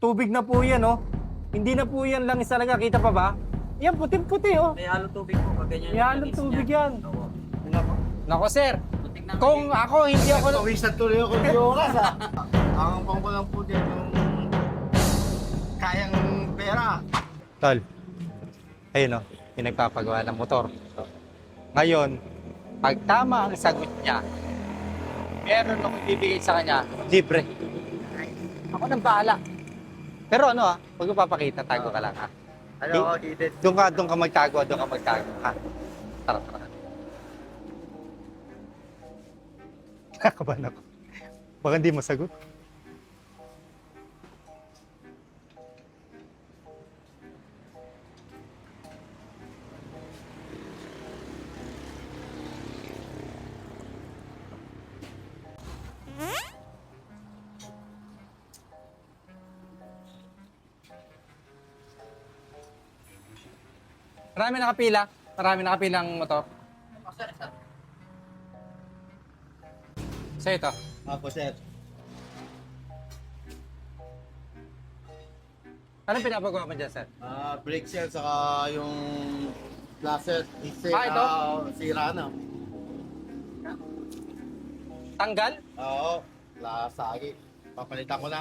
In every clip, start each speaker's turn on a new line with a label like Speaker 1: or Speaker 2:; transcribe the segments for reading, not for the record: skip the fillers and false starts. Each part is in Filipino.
Speaker 1: tubig na po yan, oh. Hindi na po yan langis talaga. Kita pa ba? Yan, puting-puti, oh.
Speaker 2: May halong tubig po. Pag ganyan.
Speaker 1: May halong
Speaker 2: langis
Speaker 1: tubig
Speaker 2: niya.
Speaker 1: yan.
Speaker 2: Oo.
Speaker 1: Nako, sir.
Speaker 2: Putik na
Speaker 1: Kung ako, hindi ako...
Speaker 3: Pawisan tuloy ako ng oras ha. Ang pang ko lang po din yung kayang pera.
Speaker 1: Tol, ayun, oh. Yung nagpapagawa ng motor. Ngayon, pag tama ang sagot niya, meron akong bibigay sa kanya, libre. Ako nang bahala. Pero ano huwag mo papakita, tago ka lang ha.
Speaker 3: Ano ako, Edith?
Speaker 1: Doon ka magtago ha. Tara. Nakabahan ako. Baka hindi masagot. Marami nakapilang motor. Sa ito.
Speaker 3: Ako, sir.
Speaker 1: Anong pinapagawa mo dyan, sir?
Speaker 3: Brake sir, saka yung flasher.
Speaker 1: Ito?
Speaker 3: Sira na.
Speaker 1: Tanggal?
Speaker 3: Oo, lasagi. Papalitan ko na.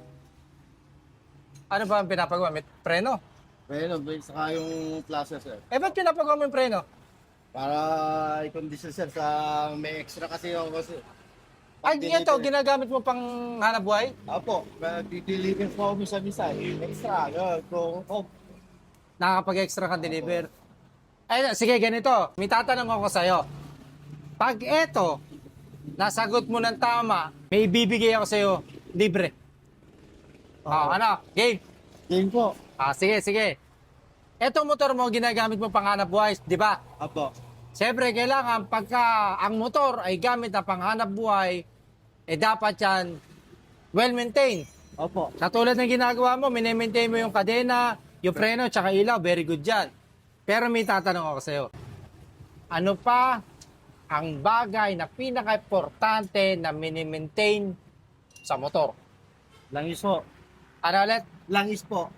Speaker 1: Ano ba ang pinapagawa? May preno?
Speaker 3: Pero brake saka yung flasher, sir.
Speaker 1: Ba't pinapagawa mo yung preno?
Speaker 3: Para i-condition, sir, sa may extra kasi ako kasi.
Speaker 1: Ay, ito, ginagamit mo pang hanap buhay?
Speaker 3: Opo, dideliver po ako misa-misa. Extra, yun. Kung
Speaker 1: Nakakapag-extra ka deliver. Ay, sige, ganito. May tatanong ako sa'yo. Pag eto, nasagot mo ng tama, may ibibigay ako sa'yo, libre. Ano? Game?
Speaker 3: game po.
Speaker 1: Sige. Eto motor mo, ginagamit mo pang hanap buhay, di ba?
Speaker 3: Opo.
Speaker 1: Siyempre, kailangan pagka ang motor ay gamit na panghanap buhay, dapat yan well-maintained.
Speaker 3: Opo.
Speaker 1: Katulad ng ginagawa mo, minimaintain mo yung kadena, yung preno, tsaka ilaw, very good yan. Pero may tatanong ako sa'yo. Ano pa ang bagay na pinaka-importante na minimaintain sa motor?
Speaker 3: Langis po.
Speaker 1: Ano ulit?
Speaker 3: Langis po.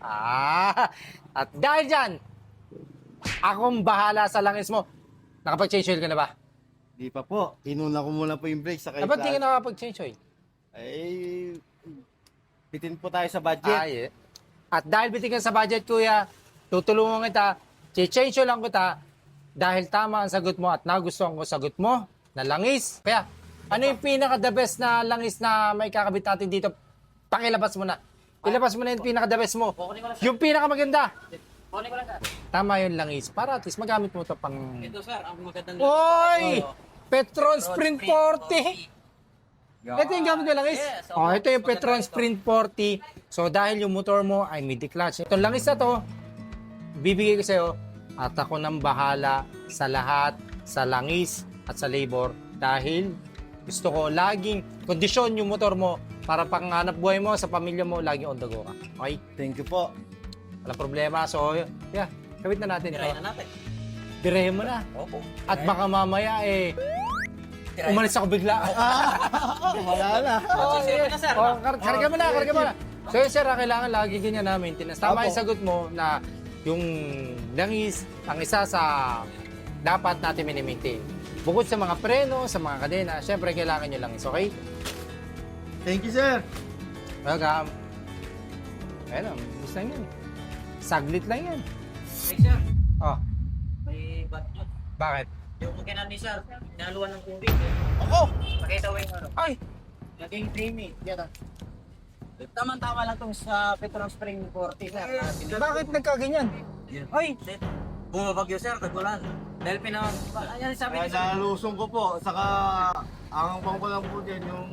Speaker 1: At dahil dyan, akong bahala sa langis mo. Nakapag-change oil ka na ba?
Speaker 3: Di pa po. Inuna ko muna po yung brake sa kay
Speaker 1: Dapat di ka nakapag-change oil.
Speaker 3: Ay, bitin po tayo sa budget.
Speaker 1: Yeah. At dahil bitin ka sa budget, kuya, tutulungan kita, change oil lang kita, dahil tama ang sagot mo at nagustuhan ko sagot mo na langis. Kaya, ano yung pinaka-the best na langis na may kakabit natin dito? Pakilabas mo na. Ilabas mo na yung pinaka-the best mo. Yung pinaka-maganda.
Speaker 2: Kunin ko lang, sir.
Speaker 1: Tama yung langis. Para at least magamit mo ito pang...
Speaker 2: Ito, sir. Ang magandang
Speaker 1: Oy!
Speaker 2: Oo.
Speaker 1: Petron Sprint 40! Ito yung gamit ng langis.
Speaker 2: Yes,
Speaker 1: Ito yung Petron Sprint 40. So, dahil yung motor mo ay midi-clutch. Itong langis na to, bibigay ko sa'yo at ako nang bahala sa lahat, sa langis at sa labor. Dahil gusto ko laging kondisyon yung motor mo para panghanap buhay mo sa pamilya mo, laging on the go ka. Okay?
Speaker 3: Thank you po.
Speaker 1: Walang problema. So, yeah, gawit na natin ito.
Speaker 2: Tirahin na natin.
Speaker 1: Direhin mo na.
Speaker 2: Opo.
Speaker 1: At baka mamaya umalis ako bigla.
Speaker 3: Wala na.
Speaker 2: Sige na, sir.
Speaker 1: Karga mo na. So yun, sir, kailangan lagi ganyan na maintenance. Tama
Speaker 3: Opo.
Speaker 1: yung sagot mo na yung langis ang isa sa dapat natin mini-maintain. Bukod sa mga preno, sa mga kadena, syempre kailangan nyo langis, okay?
Speaker 3: Thank you, sir.
Speaker 1: Welcome. Ayun, gusto lang yan. Saglit lang yan.
Speaker 2: Hey, sir.
Speaker 1: Oh,
Speaker 2: May bat nyo.
Speaker 1: bakit?
Speaker 2: Yung magkainan ni sir, naluan ng tubig.
Speaker 3: Ako!
Speaker 2: Pakita mo yung ano.
Speaker 1: Ay!
Speaker 2: Naging creamy. Yan ah. Tama-tama lang itong sa Petron Spring 40, sir.
Speaker 1: Bakit nagkaganyan? Ay!
Speaker 2: Bumabagyo, sir. Tagulan. Dahil ayan, sabi
Speaker 3: Ay,
Speaker 2: ni sir.
Speaker 3: nalusong ko po. Saka, ang pang ko lang po din yung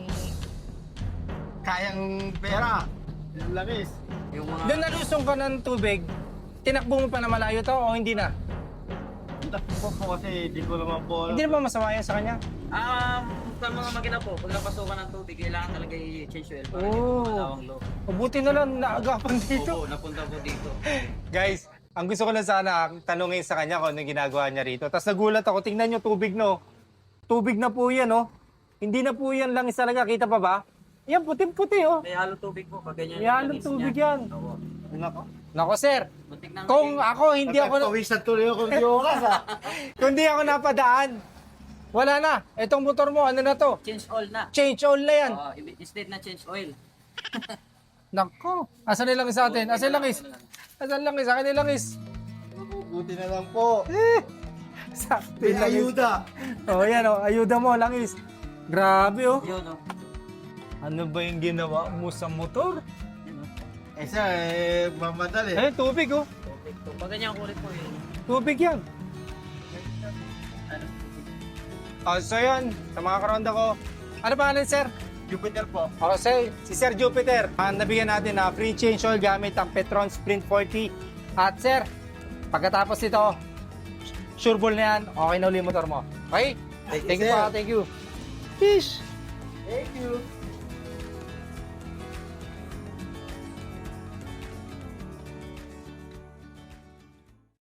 Speaker 3: kayang pera. Yung langis.
Speaker 2: Yung mga...
Speaker 1: Doon nalusong ka ng tubig, tinakbo mo pa na malayo to o hindi na?
Speaker 3: Takbo po kasi di ko naman po.
Speaker 1: Hindi na ba masama yan sa kanya?
Speaker 2: Sa mga makina po, pag napasukan ng tubig, kailangan talaga i-change oil para
Speaker 1: Oh.
Speaker 2: hindi malawang low.
Speaker 1: Mabuti na lang naagapan dito.
Speaker 2: Oo, napunta po dito.
Speaker 1: Guys, ang gusto ko lang sana tanungin sa kanya kung ano yung ginagawa niya rito. Tapos nagulat ako, tingnan nyo tubig no. Tubig na po yan, no. Hindi na po yan langis talaga, kita pa ba? Yan, puting-puti oh.
Speaker 2: May halong tubig po. Pag ganyan.
Speaker 1: May halong tubig yan.
Speaker 2: Oo.
Speaker 3: Nako.
Speaker 1: Nako sir,
Speaker 2: Muntik na.
Speaker 1: kung ako hindi ako
Speaker 3: Nagpawisan tuloy ako ng oras ah.
Speaker 1: kung hindi ako napadaan, wala na. Itong motor mo, ano na to?
Speaker 2: Change oil na.
Speaker 1: Change all na yan.
Speaker 2: Oo, instead na change oil.
Speaker 1: Nako, asan nilang sa atin? Asan langis? Asan langis? Akin yung langis.
Speaker 3: Buti na lang po.
Speaker 1: Sakto
Speaker 3: May
Speaker 1: yung langis.
Speaker 3: ayuda.
Speaker 1: Oh, yan oh, ayuda mo, langis. Grabe oh.
Speaker 2: Yun, no?
Speaker 1: Ano ba yung ginawa mo sa motor?
Speaker 2: Yun, no?
Speaker 3: Eh siya, mamadali.
Speaker 1: Eh, tubig oh.
Speaker 2: Tubig to. Pag ganyan kulit po yun.
Speaker 1: Tubig yan.
Speaker 2: Ano?
Speaker 1: Oh, so yun, sa mga karonda ko. Ano pangalan, sir?
Speaker 3: Jupiter po.
Speaker 1: Oh, si Sir Jupiter. Nabigyan natin na free change oil gamit ang Petron Sprint 40. At sir, pagkatapos nito, sure ball na yan, okay na uli yung motor mo. Okay?
Speaker 3: Thank you,
Speaker 1: Thank you
Speaker 3: sir.
Speaker 1: pa, thank you. Fish!
Speaker 3: Thank you.